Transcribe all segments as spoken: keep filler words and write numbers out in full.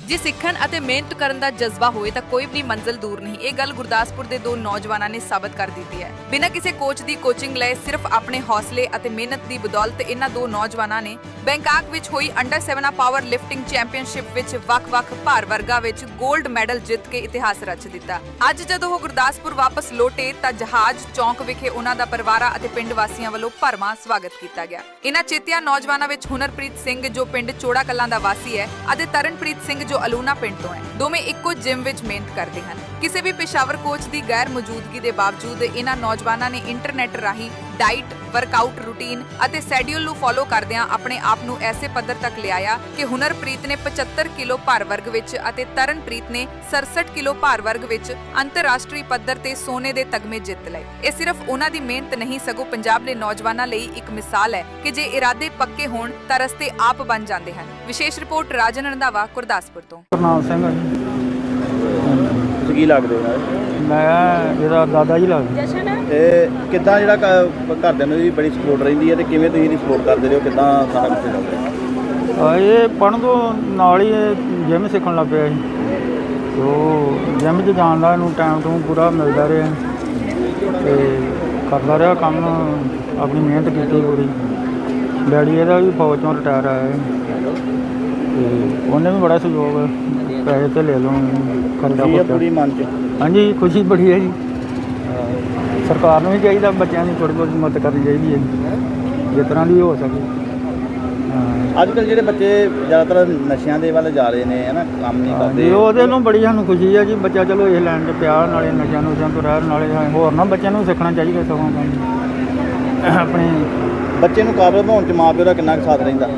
ਜੇ ਸਿੱਖਣ ਅਤੇ ਮਿਹਨਤ ਕਰਨ ਦਾ ਜਜ਼ਬਾ ਹੋਏ ਤਾਂ ਕੋਈ ਵੀ ਮੰਜ਼ਿਲ ਦੂਰ ਨਹੀਂ। ਇਹ ਗੱਲ ਗੁਰਦਾਸਪੁਰ ਦੇ ਦੋ ਨੌਜਵਾਨਾਂ ਨੇ ਸਾਬਤ ਕਰ ਦਿੱਤੀ ਹੈ। ਬਿਨਾਂ ਕਿਸੇ ਕੋਚ ਦੀ ਕੋਚਿੰਗ ਲਏ ਸਿਰਫ ਆਪਣੇ ਹੌਸਲੇ ਅਤੇ ਮਿਹਨਤ ਦੀ ਬਦੌਲਤ ਇਹਨਾਂ ਦੋ ਨੌਜਵਾਨਾਂ ਨੇ ਬੈਂਕਾਕ ਵਿੱਚ ਹੋਈ under seven power lifting championship ਵਿੱਚ ਵੱਖ-ਵੱਖ ਭਾਰ ਵਰਗਾਂ ਵਿੱਚ 골ਡ ਮੈਡਲ ਜਿੱਤ ਕੇ ਇਤਿਹਾਸ ਰਚ ਦਿੱਤਾ। ਅੱਜ ਜਦੋਂ ਉਹ ਗੁਰਦਾਸਪੁਰ ਵਾਪਸ ਲੋਟੇ ਤਾਂ ਜਹਾਜ਼ ਚੌਂਕ ਵਿਖੇ ਉਹਨਾਂ ਦਾ ਪਰਿਵਾਰਾਂ ਅਤੇ ਪਿੰਡ ਵਾਸੀਆਂ ਵੱਲੋਂ ਭਰਵਾਂ ਸਵਾਗਤ ਕੀਤਾ ਗਿਆ। ਇਹਨਾਂ ਚੇਤਿਆ ਨੌਜਵਾਨਾਂ ਵਿੱਚ ਹੁਨਰਪ੍ਰੀਤ ਸਿੰਘ ਜੋ ਪਿੰਡ ਚੋੜਾ ਕਲਾਂ ਦਾ ਵਾਸੀ ਹੈ ਅਤੇ ਤਰਨਪ੍ਰੀਤ ਸਿੰਘ ਜੋ ਅਲੂਨਾ ਪਿੰਡ ਤੋਂ ਹੈ। ਦੋਵੇਂ ਇੱਕੋ ਜਿਮ ਵਿੱਚ ਮਿਹਨਤ ਕਰਦੇ ਹਨ। ਕਿਸੇ ਵੀ ਪੇਸ਼ਾਵਰ ਕੋਚ ਦੀ ਗੈਰ ਮੌਜੂਦਗੀ ਦੇ ਬਾਵਜੂਦ ਇਹਨਾਂ ਨੌਜਵਾਨਾਂ ਨੇ ਇੰਟਰਨੈਟ ਰਾਹੀਂ ਡਾਈਟ, ਵਰਕਆਊਟ ਰੂਟੀਨ ਅਤੇ ਸ਼ੈਡਿਊਲ ਨੂੰ ਫੋਲੋ ਕਰਦਿਆਂ ਆਪਣੇ ਆਪ ਨੂੰ ਐਸੇ ਪੱਧਰ ਤੱਕ ਲਿਆਇਆ ਕਿ ਹੁਨਰਪ੍ਰੀਤ ਨੇ ਪਚੱਤਰ ਕਿਲੋ ਭਾਰ ਵਰਗ ਵਿੱਚ ਅਤੇ ਤਰਨਪ੍ਰੀਤ ਨੇ ਸੜਸਠ ਕਿਲੋ ਭਾਰ ਵਰਗ ਵਿੱਚ ਅੰਤਰਰਾਸ਼ਟਰੀ ਪੱਧਰ ਤੇ ਸੋਨੇ ਦੇ ਤਗਮੇ ਜਿੱਤ ਲਏ। ਇਹ ਸਿਰਫ ਉਹਨਾਂ ਦੀ ਮਿਹਨਤ ਨਹੀਂ ਸਗੋਂ ਪੰਜਾਬ ਦੇ ਨੌਜਵਾਨਾਂ ਲਈ ਇੱਕ ਮਿਸਾਲ ਹੈ ਕਿ ਜੇ ਇਰਾਦੇ ਪੱਕੇ ਹੋਣ ਤਾਂ ਰਸਤੇ ਆਪ ਬਣ ਜਾਂਦੇ ਹਨ। ਵਿਸ਼ੇਸ਼ ਰਿਪੋਰਟ ਰਾਜਨ ਰੰਧਾਵਾ, ਗੁਰਦਾਸਪੁਰ ਤੋਂ। ਕਰਨਾਲ ਸਿੰਘ ਤੁਸੀਂ ਕੀ ਲੱਗਦੇ ਹੋ? ਮੈਂ ਇਹਦਾ ਦਾਦਾ ਜੀ ਲੱਗਦਾ। ਤੇ ਕਿੱਦਾਂ ਜਿਹੜਾ ਕ- ਘਰਦਿਆਂ ਨੂੰ ਵੀ ਬੜੀ ਸਪੋਰਟ ਰਹਿੰਦੀ ਹੈ ਤੇ ਕਿਵੇਂ ਤੁਸੀਂ ਇਹਦੀ ਸਪੋਰਟ ਕਰਦੇ ਰਹੋ? ਕਿੱਦਾਂ ਸਾਰਾ ਕੁਝ ਚੱਲਦਾ? ਆ ਇਹ ਪੜ੍ਹਨ ਤੋਂ ਨਾਲ ਹੀ ਜਿਮ ਸਿੱਖਣ ਲੱਗ ਪਿਆ ਸੀ। ਤੋ ਜਿਮ 'ਚ ਜਾਣ ਦਾ ਇਹਨੂੰ ਟਾਈਮ ਟੂ ਪੂਰਾ ਮਿਲਦਾ ਰਿਹਾ ਤੇ ਕਰਦਾ ਰਿਹਾ ਕੰਮ, ਆਪਣੀ ਮਿਹਨਤ ਕੀਤੀ ਪੂਰੀ। ਡੈਡੀ ਇਹਦਾ ਵੀ ਫੌਜ ਤੋਂ ਰਿਟਾਇਰ ਆਇਆ ਹੈ ਤੇ ਉਹਨੇ ਵੀ ਬੜਾ ਸਹਿਯੋਗ, ਪੈਸੇ ਤੇ ਲੈ ਲਓ ਖਰਚਾ ਇਹ ਖੁਰਚਾ। ਪੂਰੀ ਮਨ 'ਚ ਹਾਂਜੀ, ਖੁਸ਼ੀ ਬੜੀ ਹੈ ਜੀ। ਸਰਕਾਰ ਨੂੰ ਵੀ ਚਾਹੀਦਾ ਬੱਚਿਆਂ ਦੀ ਥੋੜ੍ਹੀ ਬਹੁਤ ਮਦਦ ਕਰਨੀ ਚਾਹੀਦੀ ਹੈ ਜਿਸ ਤਰ੍ਹਾਂ ਦੀ ਹੋ ਸਕੇ। ਹਾਂ, ਅੱਜ ਕੱਲ੍ਹ ਜਿਹੜੇ ਬੱਚੇ ਜ਼ਿਆਦਾਤਰ ਨਸ਼ਿਆਂ ਦੇ ਵੱਲ ਜਾ ਰਹੇ ਨੇ, ਹੈ ਨਾ, ਕੰਮ ਨਹੀਂ ਜੀ ਕਰਦੇ। ਉਹਦੇ ਨੂੰ ਬੜੀ ਸਾਨੂੰ ਖੁਸ਼ੀ ਹੈ ਜੀ। ਬੱਚਾ ਚਲੋ ਇਹ ਲਾਈਨ 'ਚ ਪਿਆ, ਨਾਲੇ ਨਸ਼ਿਆਂ ਨੁਸ਼ਿਆਂ ਤੋਂ ਰਹਿਣ, ਨਾਲੇ ਹੋਰ ਨਾ ਬੱਚਿਆਂ ਨੂੰ ਸਿੱਖਣਾ ਚਾਹੀਦਾ ਸਗੋਂ ਕੰਮ ਆਪਣੇ। ਬੱਚੇ ਨੂੰ ਕਾਬਲ ਬਣਾਉਣ 'ਚ ਮਾਂ ਪਿਓ ਦਾ ਕਿੰਨਾ ਕੁ ਸਾਥ ਰਹਿੰਦਾ?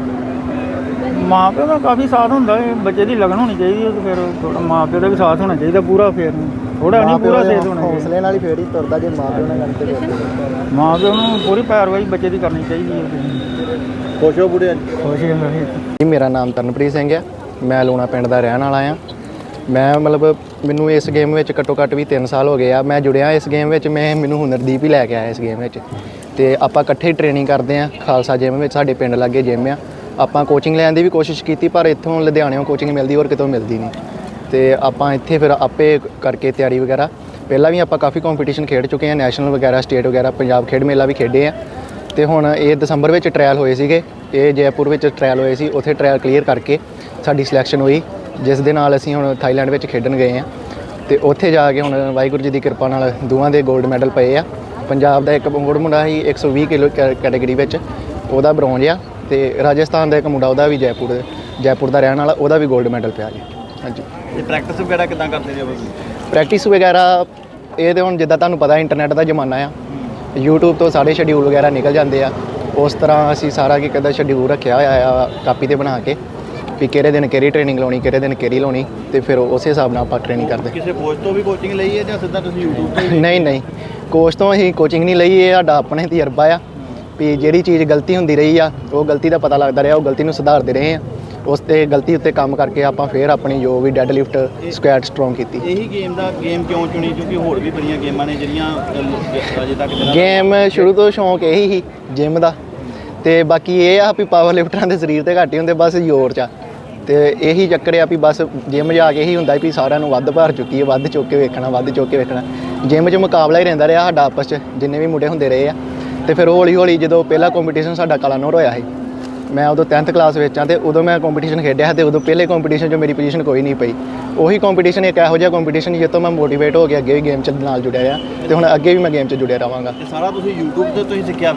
ਮਾਂ ਪਿਓ ਦਾ ਕਾਫੀ ਸਾਥ ਹੁੰਦਾ ਹੈ। ਬੱਚੇ ਦੀ ਲਗਨ ਹੋਣੀ ਚਾਹੀਦੀ ਹੈ ਤੇ ਫਿਰ ਥੋੜ੍ਹਾ ਮਾਂ ਪਿਓ ਦਾ ਵੀ ਸਾਥ ਹੋਣਾ ਚਾਹੀਦਾ ਪੂਰਾ। ਫਿਰ ਥੋੜ੍ਹਾ ਨਹੀਂ, ਪੂਰਾ ਸਾਥ ਹੋਣਾ ਚਾਹੀਦਾ। ਹੌਸਲੇ ਨਾਲ ਹੀ ਫੇਰ ਹੀ ਤੁਰਦਾ ਜੇ ਮਾਂ ਪਿਓ ਨਾਲ ਗੱਲ ਤੇ। ਮਾਂ ਪਿਓ ਨੂੰ ਪੂਰੀ ਪੈਰਵਾਈ ਬੱਚੇ ਦੀ ਕਰਨੀ ਚਾਹੀਦੀ ਹੈ। ਖੁਸ਼ ਹੋ ਬੁੜੇ? ਖੁਸ਼ ਹੈ ਜੀ, ਮੇਰਾ ਨਾਮ ਤਰਨਪ੍ਰੀਤ ਸਿੰਘ ਹੈ। ਮੈਂ ਲੂਣਾ ਪਿੰਡ ਦਾ ਰਹਿਣ ਵਾਲਾ ਆ। ਮੈਂ ਮਤਲਬ ਮੈਨੂੰ ਇਸ ਗੇਮ ਵਿੱਚ ਘੱਟੋ ਘੱਟ ਵੀ ਤਿੰਨ ਸਾਲ ਹੋ ਗਏ ਆ। ਮੈਂ ਜੁੜਿਆ ਇਸ ਗੇਮ ਵਿੱਚ, ਮੈਂ ਮੈਨੂੰ ਹੁਨਰਦੀਪ ਹੀ ਲੈ ਕੇ ਆਇਆ ਇਸ ਗੇਮ ਵਿੱਚ ਤੇ ਆਪਾਂ ਇਕੱਠੇ ਟ੍ਰੇਨਿੰਗ ਕਰਦੇ ਆ। ਖਾਲਸਾ ਜਿਮ ਵਿੱਚ ਸਾਡੇ ਪਿੰਡ ਲਾਗੇ ਜਿਮ ਆ। ਆਪਾਂ ਕੋਚਿੰਗ ਲੈਣ ਦੀ ਵੀ ਕੋਸ਼ਿਸ਼ ਕੀਤੀ ਪਰ ਇੱਥੋਂ ਲੁਧਿਆਣਿਓਂ ਕੋਚਿੰਗ ਮਿਲਦੀ ਹੋਰ ਕਿਤੋਂ ਮਿਲਦੀ ਨਹੀਂ ਤੇ ਆਪਾਂ ਇੱਥੇ ਫਿਰ ਆਪੇ ਕਰਕੇ ਤਿਆਰੀ ਵਗੈਰਾ। ਪਹਿਲਾਂ ਵੀ ਆਪਾਂ ਕਾਫੀ ਕੰਪੀਟੀਸ਼ਨ ਖੇਡ ਚੁੱਕੇ ਆ, ਨੈਸ਼ਨਲ ਵਗੈਰਾ, ਸਟੇਟ ਵਗੈਰਾ, ਪੰਜਾਬ ਖੇਡ ਮੇਲਾ ਵੀ ਖੇਡੇ ਆ। ਤੇ ਹੁਣ ਇਹ ਦਸੰਬਰ ਵਿੱਚ ਟ੍ਰਾਇਲ ਹੋਏ ਸੀਗੇ, ਇਹ ਜੈਪੁਰ ਵਿੱਚ ਟ੍ਰਾਇਲ ਹੋਏ ਸੀ। ਉੱਥੇ ਟ੍ਰਾਇਲ ਕਲੀਅਰ ਕਰਕੇ ਸਾਡੀ ਸਿਲੈਕਸ਼ਨ ਹੋਈ, ਜਿਸ ਦੇ ਨਾਲ ਅਸੀਂ ਹੁਣ ਥਾਈਲੈਂਡ ਵਿੱਚ ਖੇਡਣ ਗਏ ਆ ਤੇ ਉੱਥੇ ਜਾ ਕੇ ਹੁਣ ਵਾਹਿਗੁਰੂ ਜੀ ਦੀ ਕਿਰਪਾ ਨਾਲ ਦੋਵਾਂ ਦੇ 골ਡ ਮੈਡਲ ਪਏ ਆ। ਪੰਜਾਬ ਦਾ ਇੱਕ ਮੁੰਡਾ ਮੁੰਡਾ ਸੀ ਇੱਕ ਸੌ ਵੀਹ ਕਿਲੋ ਕੈਟਾਗਰੀ ਵਿੱਚ, ਉਹਦਾ ਬ੍ਰੌਂਜ ਆ। ਤੇ ਰਾਜਸਥਾਨ ਦਾ ਇੱਕ ਮੁੰਡਾ, ਉਹਦਾ ਵੀ ਜੈਪੁਰ ਜੈਪੁਰ ਦਾ ਰਹਿਣ ਵਾਲਾ, ਉਹਦਾ ਵੀ 골ਡ ਮੈਡਲ ਪਿਆ ਜੀ। ਹਾਂਜੀ। ਤੇ ਪ੍ਰੈਕਟਿਸ ਵਗੈਰਾ ਕਿੱਦਾਂ ਕਰਦੇ ਜੀ? ਪ੍ਰੈਕਟਿਸ ਵਗੈਰਾ ਇਹ ਤਾਂ ਹੁਣ ਜਿੱਦਾਂ ਤੁਹਾਨੂੰ ਪਤਾ ਇੰਟਰਨੈਟ ਦਾ ਜ਼ਮਾਨਾ ਆ, ਯੂਟਿਊਬ ਤੋਂ ਸਾਰੇ ਸ਼ੈਡਿਊਲ ਵਗੈਰਾ ਨਿਕਲ ਜਾਂਦੇ ਆ। ਉਸ ਤਰ੍ਹਾਂ ਅਸੀਂ ਸਾਰਾ ਕੀ ਕਦਾ ਸ਼ੈਡਿਊਲ ਰੱਖਿਆ ਹੋਇਆ ਆ ਕਾਪੀ 'ਤੇ ਬਣਾ ਕੇ ਵੀ ਕਿਹੜੇ ਦਿਨ ਕਿਹੜੀ ਟ੍ਰੇਨਿੰਗ ਲਾਉਣੀ, ਕਿਹੜੇ ਦਿਨ ਕਿਹੜੀ ਲਾਉਣੀ ਤੇ ਫਿਰ ਉਸੇ ਹਿਸਾਬ ਨਾਲ ਆਪਾਂ ਟ੍ਰੇਨਿੰਗ ਕਰਦੇ। ਕਿਸੇ ਕੋਚ ਤੋਂ ਵੀ ਕੋਚਿੰਗ ਲਈ ਹੈ ਜਾਂ ਸਿੱਧਾ ਤੁਸੀਂ ਯੂਟਿਊਬ ਤੋਂ? ਨਹੀਂ ਨਹੀਂ, ਕੋਚ ਤੋਂ ਅਸੀਂ ਕੋਚਿੰਗ ਨਹੀਂ ਲਈ। ਇਹ ਸਾਡਾ ਆਪਣੇ ਤਜਰਬਾ ਆ ਵੀ ਜਿਹੜੀ ਚੀਜ਼ ਗਲਤੀ ਹੁੰਦੀ ਰਹੀ ਆ ਉਹ ਗਲਤੀ ਦਾ ਪਤਾ ਲੱਗਦਾ ਰਿਹਾ, ਉਹ ਗਲਤੀ ਨੂੰ ਸੁਧਾਰਦੇ ਰਹੇ ਆ। ਉਸ 'ਤੇ ਗਲਤੀ ਉੱਤੇ ਕੰਮ ਕਰਕੇ ਆਪਾਂ ਫਿਰ ਆਪਣੀ ਜੋ ਵੀ ਡੈੱਡ ਲਿਫਟ, ਸਕੁਐਟ ਸਟਰੋਂਗ ਕੀਤੀ। ਇਹੀ ਗੇਮ ਦਾ ਗੇਮ ਕਿਉਂ ਚੁਣੀ? ਕਿਉਂਕਿ ਹੋਰ ਵੀ ਬੜੀਆਂ ਗੇਮਾਂ ਨੇ ਜਿਹੜੀਆਂ ਅਜੇ ਤੱਕ ਗੇਮ ਸ਼ੁਰੂ ਤੋਂ ਸ਼ੌਂਕ ਇਹੀ ਸੀ ਜਿਮ ਦਾ ਤੇ ਬਾਕੀ ਇਹ ਆ ਵੀ ਪਾਵਰ ਲਿਫਟਰਾਂ ਦੇ ਸਰੀਰ ਤੇ ਘੱਟ ਹੀ ਹੁੰਦੇ, ਬਸ ਜ਼ੋਰ 'ਚ ਆ। ਤੇ ਇਹੀ ਚੱਕਰ ਆ ਵੀ ਬਸ ਜਿਮ ਜਾ ਕੇ ਇਹੀ ਹੁੰਦਾ ਵੀ ਸਾਰਿਆਂ ਨੂੰ ਵੱਧ ਭਾਰ ਚੁੱਕੀ ਹੈ, ਵੱਧ ਚੁੱਕ ਕੇ ਵੇਖਣਾ, ਵੱਧ ਚੁੱਕ ਕੇ ਵੇਖਣਾ। ਜਿਮ 'ਚ ਮੁਕਾਬਲਾ ਹੀ ਰਹਿੰਦਾ ਰਿਹਾ ਸਾਡਾ ਆਪਸ 'ਚ, ਜਿੰਨੇ ਵੀ ਮੁੰਡੇ ਹੁੰਦੇ ਰਹੇ ਆ। ਤੇ ਫਿਰ ਹੌਲੀ ਹੌਲੀ ਜਦੋਂ ਪਹਿਲਾ ਕੰਪੀਟੀਸ਼ਨ ਸਾਡਾ ਕਲਾਨੌਰ ਹੋਇਆ ਸੀ, ਮੈਂ ਉਦੋਂ ਟੈਂਥ ਕਲਾਸ ਵਿੱਚ ਆ ਤੇ ਉਦੋਂ ਮੈਂ ਕੰਪੀਟੀਸ਼ਨ ਖੇਡਿਆ ਤੇ ਉਦੋਂ ਪਹਿਲੇ ਕੰਪੀਟੀਸ਼ਨ 'ਚ ਮੇਰੀ ਪੋਜੀਸ਼ਨ ਕੋਈ ਨਹੀਂ ਪਈ। ਉਹੀ ਕੰਪੀਟੀਸ਼ਨ ਇੱਕ ਇਹੋ ਜਿਹਾ ਕੰਪੀਟੀਸ਼ਨ ਜਿਸ ਤੋਂ ਮੈਂ ਮੋਟੀਵੇਟ ਹੋ ਕੇ ਅੱਗੇ ਵੀ ਗੇਮ 'ਚ ਨਾਲ ਜੁੜਿਆ ਆ ਤੇ ਹੁਣ ਅੱਗੇ ਵੀ ਮੈਂ ਗੇਮ 'ਚ ਜੁੜਿਆ ਰਹਾਂਗਾ। ਇਹ ਸਾਰਾ ਤੁਸੀਂ ਯੂਟਿਊਬ ਤੇ ਤੁਸੀਂ ਸਿੱਖਿਆ?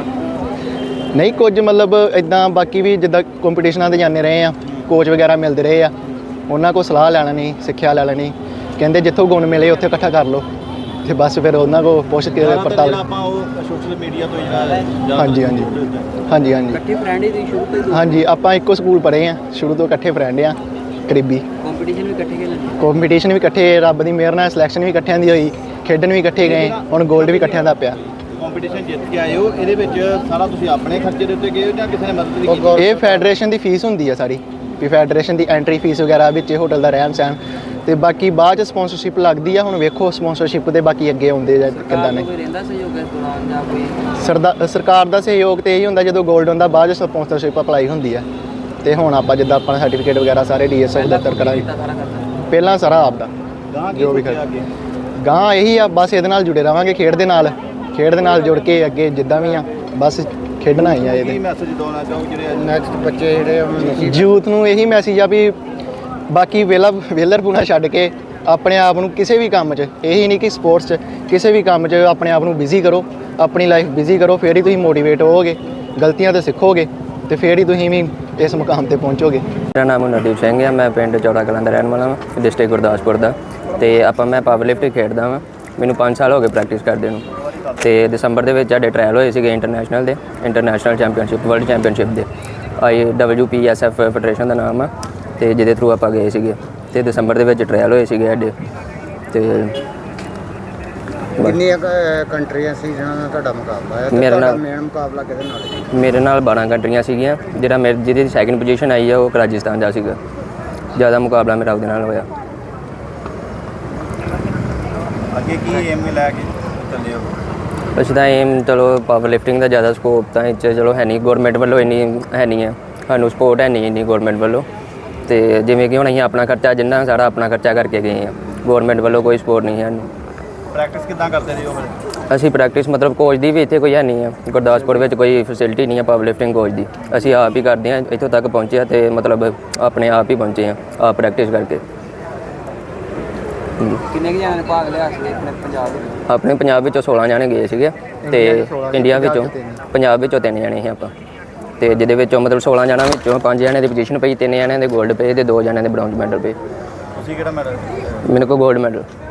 ਨਹੀਂ, ਕੁਝ ਮਤਲਬ ਇੱਦਾਂ ਬਾਕੀ ਵੀ ਜਿੱਦਾਂ ਕੰਪੀਟੀਸ਼ਨਾਂ 'ਤੇ ਜਾਂਦੇ ਰਹੇ ਆ, ਕੋਚ ਵਗੈਰਾ ਮਿਲਦੇ ਰਹੇ ਆ, ਉਹਨਾਂ ਕੋਲ ਸਲਾਹ ਲੈ ਲੈਣੀ, ਸਿੱਖਿਆ ਲੈ ਲੈਣੀ। ਕਹਿੰਦੇ ਜਿੱਥੋਂ ਗੁਣ ਮਿਲੇ ਉੱਥੇ ਇਕੱਠਾ ਕਰ ਲਓ ਤੇ ਬਸ ਫਿਰ ਉਹਨਾਂ ਕੋਲ ਪੁੱਛ ਕੇ ਪੜਤਾਲ। ਆਪਾਂ ਉਹ ਸੋਸ਼ਲ ਮੀਡੀਆ ਤੋਂ ਜਿਹੜਾ ਹਾਂਜੀ ਹਾਂਜੀ ਹਾਂਜੀ ਹਾਂਜੀ ਇਕੱਠੇ ਫਰੈਂਡ ਹੀ ਸ਼ੁਰੂ ਤੋਂ? ਹਾਂਜੀ, ਆਪਾਂ ਇੱਕੋ ਸਕੂਲ ਪੜ੍ਹੇ ਆ, ਸ਼ੁਰੂ ਤੋਂ ਇਕੱਠੇ ਫਰੈਂਡ ਆ, ਕਰੀਬੀ। ਕੰਪੀਟੀਸ਼ਨ ਵੀ ਇਕੱਠੇ ਖੇਡਦੇ? ਕੰਪੀਟੀਸ਼ਨ ਵੀ ਇਕੱਠੇ, ਰੱਬ ਦੀ ਮਿਹਰ ਨਾਲ ਸਿਲੈਕਸ਼ਨ ਵੀ ਇਕੱਠਿਆਂ ਦੀ ਹੋਈ, ਖੇਡਣ ਵੀ ਇਕੱਠੇ ਗਏ, ਹੁਣ 골ਡ ਵੀ ਇਕੱਠਿਆਂ ਦਾ ਪਿਆ। ਕੰਪੀਟੀਸ਼ਨ ਜਿੱਤ ਕੇ ਆਏ ਹੋ, ਇਹਦੇ ਵਿੱਚ ਸਾਰਾ ਤੁਸੀਂ ਆਪਣੇ ਖਰਚੇ ਦੇ ਉੱਤੇ ਗਏ ਹੋ ਜਾਂ ਕਿਸੇ ਨੇ ਮਦਦ ਵੀ ਕੀਤੀ? ਇਹ ਫੈਡਰੇਸ਼ਨ ਦੀ ਫੀਸ ਹੁੰਦੀ ਆ ਸਾਰੀ, ਵੀ ਫੈਡਰੇਸ਼ਨ ਦੀ ਐਂਟਰੀ ਫੀਸ ਵਗੈਰਾ ਵਿੱਚ ਹੋਟਲ ਦਾ ਰਹਿਣ ਸਹਿਣ ਤੇ ਬਾਕੀ ਬਾਅਦ 'ਚ ਸਪੋਂਸਰਸ਼ਿਪ ਲੱਗਦੀ ਆ। ਹੁਣ ਵੇਖੋ ਸਪੋਂਸਰਸ਼ਿਪ ਦੇ ਬਾਕੀ ਅੱਗੇ ਆਉਂਦੇ ਜਾਂ ਕਿੱਦਾਂ ਨੇ। ਕੋਈ ਰਹਿੰਦਾ ਸਹਿਯੋਗ ਇਸ ਦੌਰਾਨ ਜਾਂ ਕੋਈ? ਸਰਦਾ ਸਰਕਾਰ ਦਾ ਸਹਿਯੋਗ ਤੇ ਇਹੀ ਹੁੰਦਾ ਜਦੋਂ 골ਡ ਹੁੰਦਾ, ਬਾਅਦ 'ਚ ਸਪੋਂਸਰਸ਼ਿਪ ਅਪਲਾਈ ਹੁੰਦੀ ਆ। ਤੇ ਹੁਣ ਆਪਾਂ ਜਿੱਦਾਂ ਆਪਾਂ ਸਰਟੀਫਿਕੇਟ ਵਗੈਰਾ ਸਾਰੇ ਡੀਐਸਐਫ ਦਫ਼ਤਰ ਕਰਾਂਗੇ ਸਾਰਾ ਕਰਦਾ ਪਹਿਲਾਂ ਸਾਰਾ ਆਪਦਾ ਗਾਂ ਕੀ ਜੋ ਵੀ ਸੋਚਿਆ ਅੱਗੇ ਗਾਂ ਇਹੀ ਆ ਬਸ ਇਹਦੇ ਨਾਲ ਜੁੜੇ ਰਵਾਂਗੇ ਖੇਡ ਦੇ ਨਾਲ ਖੇਡ ਦੇ ਨਾਲ ਜੁੜ ਕੇ ਅੱਗੇ ਜਿੱਦਾਂ ਵੀ ਆ ਬਸ ਖੇਡਣਾ ਹੀ ਆ ਕੀ ਇਹਦੇ ਮੈਸੇਜ ਦੇਣਾ ਚਾਹੋ ਜਿਹੜੇ ਨੈਕਸਟ ਬੱਚੇ ਜਿਹੜੇ ਯੂਥ ਨੂੰ ਇਹੀ ਮੈਸੇਜ ਆ ਵੀ ਬਾਕੀ ਵੇਲਾ ਵੇਲਰਪੂਣਾ ਛੱਡ ਕੇ ਆਪਣੇ ਆਪ ਨੂੰ ਕਿਸੇ ਵੀ ਕੰਮ 'ਚ ਇਹੀ ਨਹੀਂ ਕਿ ਸਪੋਰਟਸ 'ਚ ਕਿਸੇ ਵੀ ਕੰਮ 'ਚ ਆਪਣੇ ਆਪ ਨੂੰ ਬਿਜ਼ੀ ਕਰੋ ਆਪਣੀ ਲਾਈਫ ਬਿਜ਼ੀ ਕਰੋ ਫਿਰ ਹੀ ਤੁਸੀਂ ਮੋਟੀਵੇਟ ਹੋਵੋਗੇ ਗਲਤੀਆਂ ਤੇ ਸਿੱਖੋਗੇ ਤੇ ਫਿਰ ਹੀ ਤੁਸੀਂ ਵੀ ਇਸ ਮੁਕਾਮ ਤੇ ਪਹੁੰਚੋਗੇ। ਮੇਰਾ ਨਾਮ ਨਰਦੀਪ ਸਿੰਘ ਹੈ। ਮੈਂ ਪਿੰਡ ਚੌੜਾ ਕਲਾਂ ਦਾ ਰਹਿਣ ਵਾਲਾ ਹਾਂ, ਡਿਸਟ੍ਰਿਕਟ ਗੁਰਦਾਸਪੁਰ ਦਾ। ਤੇ ਆਪਾਂ ਮੈਂ ਪਾਵਰ ਲਿਫਟਿੰਗ ਖੇਡਦਾ ਹਾਂ। ਮੈਨੂੰ ਪੰਜ ਸਾਲ ਹੋ ਗਏ ਪ੍ਰੈਕਟਿਸ ਕਰਦੇ ਨੂੰ। ਤੇ ਦਸੰਬਰ ਦੇ ਵਿੱਚ ਸਾਡੇ ਟ੍ਰਾਇਲ ਹੋਏ ਸੀਗੇ ਇੰਟਰਨੈਸ਼ਨਲ ਦੇ ਇੰਟਰਨੈਸ਼ਨਲ ਚੈਂਪੀਅਨਸ਼ਿਪ ਵਰਲਡ ਚੈਂਪੀਅਨਸ਼ਿਪ ਦੇ I W P S F federation ਦਾ ਨਾਮ ਆ ਤੇ ਜਿਹਦੇ ਥਰੂ ਆਪਾਂ ਗਏ ਸੀਗੇ ਤੇ ਦਸੰਬਰ ਦੇ ਵਿੱਚ ਟ੍ਰਾਇਲ ਹੋਏ ਸੀਗੇ ਸਾਡੇ ਤੇ ਕਿੰਨੀਆਂ ਕੁ ਕੰਟਰੀਆਂ ਸੀ ਜਿਨ੍ਹਾਂ ਨਾਲ ਤੁਹਾਡਾ ਮੁਕਾਬਲਾ ਹੈ ਤੇ ਮੇਰੇ ਤੁਹਾਡਾ ਨਾਲ- ਮੇਨ ਮੁਕਾਬਲਾ ਕਿਹਦੇ ਨਾਲ ਹੈ? ਮੇਰੇ ਨਾਲ ਬਾਰਾਂ ਕੰਟਰੀਆਂ ਸੀਗੀਆਂ ਜਿਹੜਾ ਮੇਰੇ ਜਿਹਦੀ ਸੈਕਿੰਡ ਪੋਜੀਸ਼ਨ ਆਈ ਆ ਉਹ ਰਾਜਸਥਾਨ ਦਾ ਸੀਗਾ। ਜ਼ਿਆਦਾ ਮੁਕਾਬਲਾ ਮੇਰਾ ਉਹਦੇ ਨਾਲ ਹੋਇਆ। ਅੱਗੇ ਕੀ ਏਮ ਲੈ ਕੇ ਚੱਲੇ ਹੋ? ਅਸੀਂ ਤਾਂ ਏਮ ਚਲੋ ਪਾਵਰ ਲਿਫਟਿੰਗ ਦਾ ਜ਼ਿਆਦਾ ਸਕੋਪ ਤਾਂ ਇਹ 'ਚ ਚਲੋ ਹੈ ਨਹੀਂ ਗੌਰਮੈਂਟ ਵੱਲੋਂ ਇੰਨੀ ਹੈ ਨਹੀਂ ਹੈ ਸਾਨੂੰ ਸਪੋਰਟ ਹੈ ਨਹੀਂ ਇੰਨੀ ਗੌਰਮੈਂਟ ਵੱਲੋਂ ਤੇ ਜਿਵੇਂ ਕਿ ਹੁਣ ਅਸੀਂ ਆਪਣਾ ਖਰਚਾ ਜਿੰਨਾ ਸਾਰਾ ਆਪਣਾ ਖਰਚਾ ਕਰਕੇ ਗਏ ਹਾਂ ਗੌਰਮੈਂਟ ਵੱਲੋਂ ਕੋਈ ਸਪੋਰਟ ਨਹੀਂ ਹੈ ਸਾਨੂੰ। ਪ੍ਰੈਕਟਿਸ ਕਿੱਦਾਂ ਕਰਦੇ ਰਹੇ ਹੋ ਫਿਰ? ਅਸੀਂ ਪ੍ਰੈਕਟਿਸ ਮਤਲਬ ਕੋਚ ਦੀ ਵੀ ਇੱਥੇ ਕੋਈ ਹੈ ਨਹੀਂ ਹੈ ਗੁਰਦਾਸਪੁਰ ਵਿੱਚ ਕੋਈ ਫੈਸਿਲਿਟੀ ਨਹੀਂ ਹੈ ਪਾਵਰ ਲਿਫਟਿੰਗ ਕੋਚ ਦੀ। ਅਸੀਂ ਆਪ ਹੀ ਕਰਦੇ ਹਾਂ ਇੱਥੋਂ ਤੱਕ ਪਹੁੰਚੇ ਹਾਂ ਤੇ ਮਤਲਬ ਆਪਣੇ ਆਪ ਹੀ ਪਹੁੰਚੇ ਹਾਂ ਆਪ ਪ੍ਰੈਕਟਿਸ ਕਰਕੇ। ਹਮ। ਕਿੰਨੇ ਕੁ ਜਣਿਆਂ ਨੇ ਭਾਗ ਲਿਆ ਸੀ ਆਪਣੇ ਪੰਜਾਬ ਵਿੱਚ? ਆਪਣੇ ਪੰਜਾਬ ਵਿੱਚੋਂ ਸੋਲਾਂ ਜਾਣੇ ਗਏ ਸੀਗੇ ਤੇ ਇੰਡੀਆ ਵਿੱਚੋਂ ਪੰਜਾਬ ਵਿੱਚੋਂ ਤਿੰਨ ਜਾਣੇ ਸੀ ਆਪਾਂ ਤੇ ਜਿਹਦੇ ਵਿੱਚੋਂ ਮਤਲਬ ਸੋਲਾਂ ਜਣਾਂ ਵਿੱਚੋਂ ਪੰਜ ਜਣਿਆਂ ਦੀ ਪੋਜੀਸ਼ਨ ਪਈ ਤਿੰਨ ਜਣਿਆਂ ਦੇ 골ਡ ਪਏ ਤੇ ਦੋ ਜਣਿਆਂ ਦੇ ਬ੍ਰੌਂਜ਼ ਮੈਡਲ ਪਏ। ਤੁਸੀਂ ਕਿਹੜਾ ਮੈਡਲ? ਮੇਰੇ ਕੋਲ 골ਡ ਮੈਡਲ।